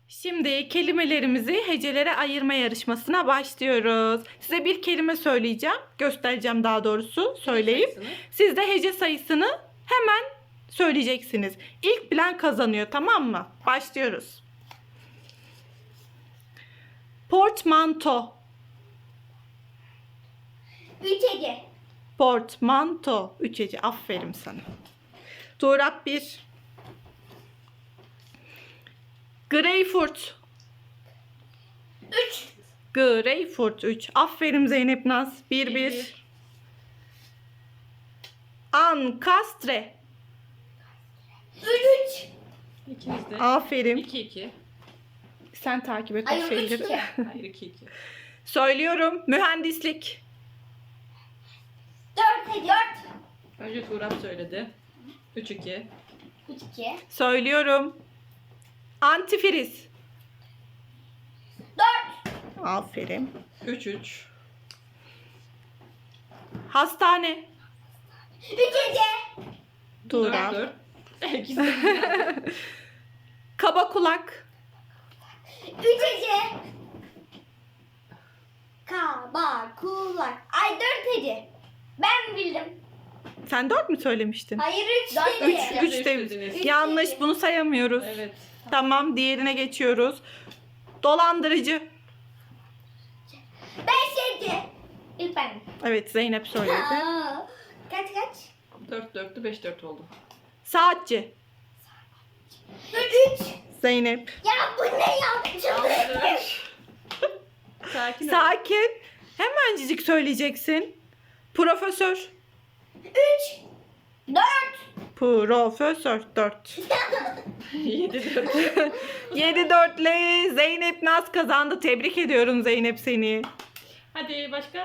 Şimdi kelimelerimizi hecelere ayırma yarışmasına başlıyoruz. Size bir kelime söyleyeceğim. Göstereceğim daha doğrusu söyleyip. Siz de hece sayısını hemen söyleyeceksiniz. İlk bilen kazanıyor, tamam mı? Başlıyoruz. Portmanto. 3 hece. Portmanto. 3 hece. Aferin sana. Tuğrap 1. Greyfurt. 3. Greyfurt 3. Aferin Zeynep Naz. 1-1. Ankastre. 3. İkimiz de. Aferin. 2-2. Sen takip et o Hayır, şeyleri. 3-2. Hayır 2-2. Söylüyorum. Mühendislik. 4 hece. 4. Önce Tuğrap söyledi. 3-2. 3 2. Söylüyorum. Antifriz. 4. Aferin. 3-3. Hastane. 3 hece. Tuğrap. 4-4. İkisi de. Kaba kulak. 3 hece. Kaba kulak. Ay 4 hece. Ben bildim. Sen 4 mü söylemiştin? Hayır 3 Dört hece. hece. 3 Üç de dediniz. yanlış, dedi. bunu sayamıyoruz. Evet. Tamam, diğerine geçiyoruz. Dolandırıcı. 5 hece. İlk ben. Evet, Zeynep söyledi. Aa, kaç kaç? 4-4'tü 5-4 oldu. Saatçi. 3. Zeynep. Ya bu ne ya? Çıldırdım. Sakin ol. Sakin. Hemencik söyleyeceksin. Profesör. 3. 4. Profesör 4. 7-4. 7-4'le Zeynep Naz kazandı. Tebrik ediyorum Zeynep seni. Hadi başka?